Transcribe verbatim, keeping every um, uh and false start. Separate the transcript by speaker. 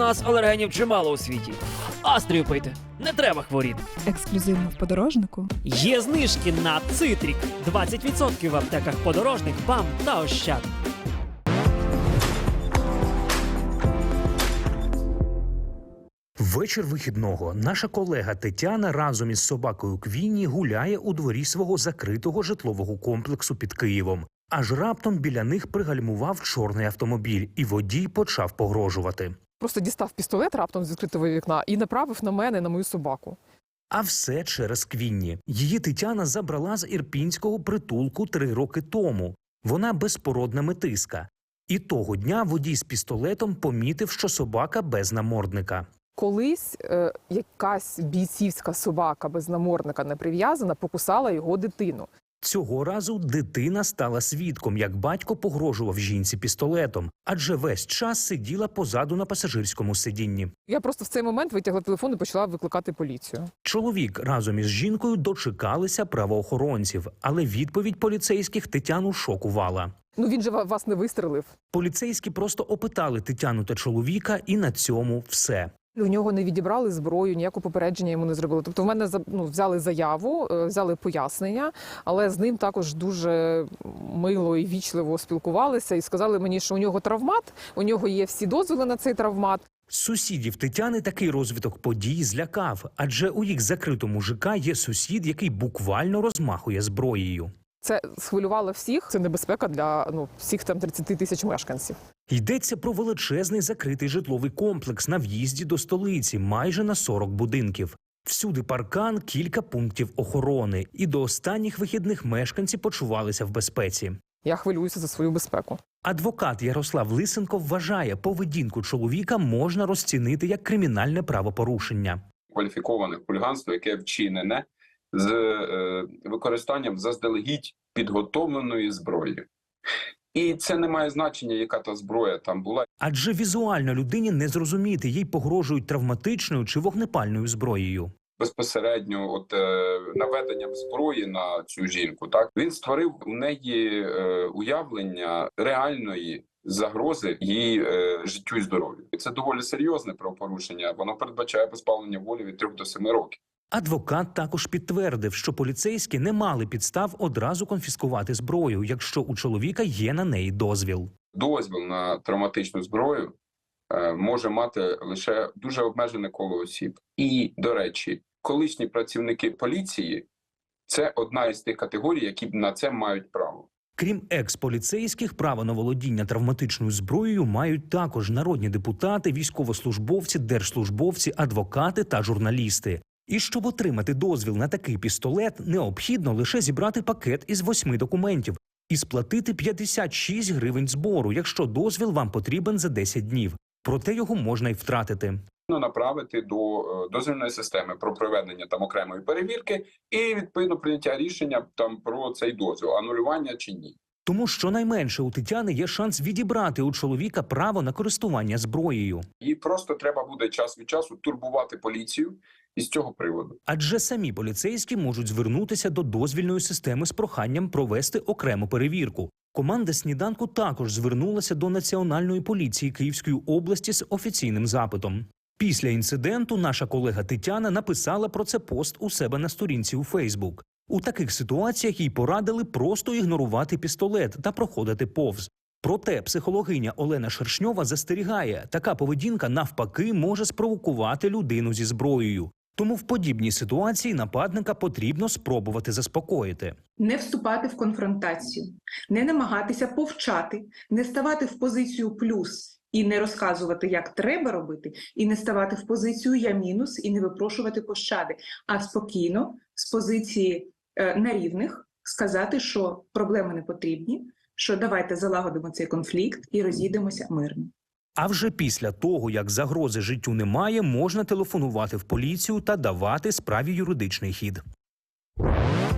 Speaker 1: нас алергенів чимало у світі. Астрію пийте, не треба хворіти.
Speaker 2: Ексклюзивно в подорожнику.
Speaker 1: Є знижки на Цитрік. двадцять відсотків в аптеках Подорожник, БАМ та Ощад.
Speaker 3: Вечір вихідного. Наша колега Тетяна разом із собакою Квінні гуляє у дворі свого закритого житлового комплексу під Києвом. Аж раптом біля них пригальмував чорний автомобіль, і водій почав погрожувати.
Speaker 4: Просто дістав пістолет раптом з відкритого вікна і направив на мене, на мою собаку.
Speaker 3: А все через Квінні. Її Тетяна забрала з ірпінського притулку три роки тому. Вона безпородна метиска. І того дня водій з пістолетом помітив, що собака без намордника.
Speaker 4: Колись е, якась бійцівська собака без намордника не прив'язана покусала його дитину.
Speaker 3: Цього разу дитина стала свідком, як батько погрожував жінці пістолетом, адже весь час сиділа позаду на пасажирському сидінні.
Speaker 4: Я просто в цей момент витягла телефон і почала викликати поліцію.
Speaker 3: Чоловік разом із жінкою дочекалися правоохоронців, але відповідь поліцейських Тетяну шокувала.
Speaker 4: Ну він же вас не вистрелив.
Speaker 3: Поліцейські просто опитали Тетяну та чоловіка, і на цьому все.
Speaker 4: У нього не відібрали зброю, ніякого попередження йому не зробили. Тобто в мене ну, взяли заяву, взяли пояснення, але з ним також дуже мило і вічливо спілкувалися і сказали мені, що у нього травмат, у нього є всі дозволи на цей травмат.
Speaker 3: Сусідів Тетяни такий розвиток подій злякав, адже у їх закритому ЖК є сусід, який буквально розмахує зброєю.
Speaker 4: Це схвилювало всіх, це небезпека для ну, всіх там тридцяти тисяч мешканців.
Speaker 3: Йдеться про величезний закритий житловий комплекс на в'їзді до столиці, майже на сорок будинків. Всюди паркан, кілька пунктів охорони. І до останніх вихідних мешканці почувалися в безпеці.
Speaker 4: Я хвилююся за свою безпеку.
Speaker 3: Адвокат Ярослав Лисенко вважає, поведінку чоловіка можна розцінити як кримінальне правопорушення.
Speaker 5: Кваліфіковане хуліганство, яке вчинене з е, використанням заздалегідь підготовленої зброї. І це не має значення, яка та зброя там була.
Speaker 3: Адже візуально людині не зрозуміти, їй погрожують травматичною чи вогнепальною зброєю.
Speaker 5: Безпосередньо от, е, наведенням зброї на цю жінку, так, він створив у неї е, уявлення реальної загрози її е, життю і здоров'ю. Це доволі серйозне правопорушення, воно передбачає позбавлення волі від трьох до семи років.
Speaker 3: Адвокат також підтвердив, що поліцейські не мали підстав одразу конфіскувати зброю, якщо у чоловіка є на неї дозвіл.
Speaker 5: Дозвіл на травматичну зброю е, може мати лише дуже обмежене коло осіб. І, до речі, колишні працівники поліції – це одна із тих категорій, які на це мають право.
Speaker 3: Крім екс-поліцейських, право на володіння травматичною зброєю мають також народні депутати, військовослужбовці, держслужбовці, адвокати та журналісти. І щоб отримати дозвіл на такий пістолет, необхідно лише зібрати пакет із восьми документів і сплатити п'ятдесят шість гривень збору, якщо дозвіл вам потрібен за десять днів. Проте його можна й втратити.
Speaker 5: Направити до дозвільної системи про проведення там окремої перевірки і відповідно прийняття рішення там про цей дозвіл, анулювання чи ні.
Speaker 3: Тому щонайменше у Тетяни є шанс відібрати у чоловіка право на користування зброєю.
Speaker 5: Їй просто треба буде час від часу турбувати поліцію із цього приводу.
Speaker 3: Адже самі поліцейські можуть звернутися до дозвільної системи з проханням провести окрему перевірку. Команда «Сніданку» також звернулася до Національної поліції Київської області з офіційним запитом. Після інциденту наша колега Тетяна написала про це пост у себе на сторінці у Фейсбук. У таких ситуаціях їй порадили просто ігнорувати пістолет та проходити повз. Проте психологиня Олена Шершньова застерігає, така поведінка навпаки може спровокувати людину зі зброєю. Тому в подібній ситуації нападника потрібно спробувати заспокоїти.
Speaker 6: Не вступати в конфронтацію, не намагатися повчати, не ставати в позицію плюс і не розказувати, як треба робити, і не ставати в позицію я мінус і не випрошувати пощади, а спокійно, з позиції е, на рівних, сказати, що проблеми не потрібні, що давайте залагодимо цей конфлікт і розійдемося мирно.
Speaker 3: А вже після того, як загрози життю немає, можна телефонувати в поліцію та давати справі юридичний хід.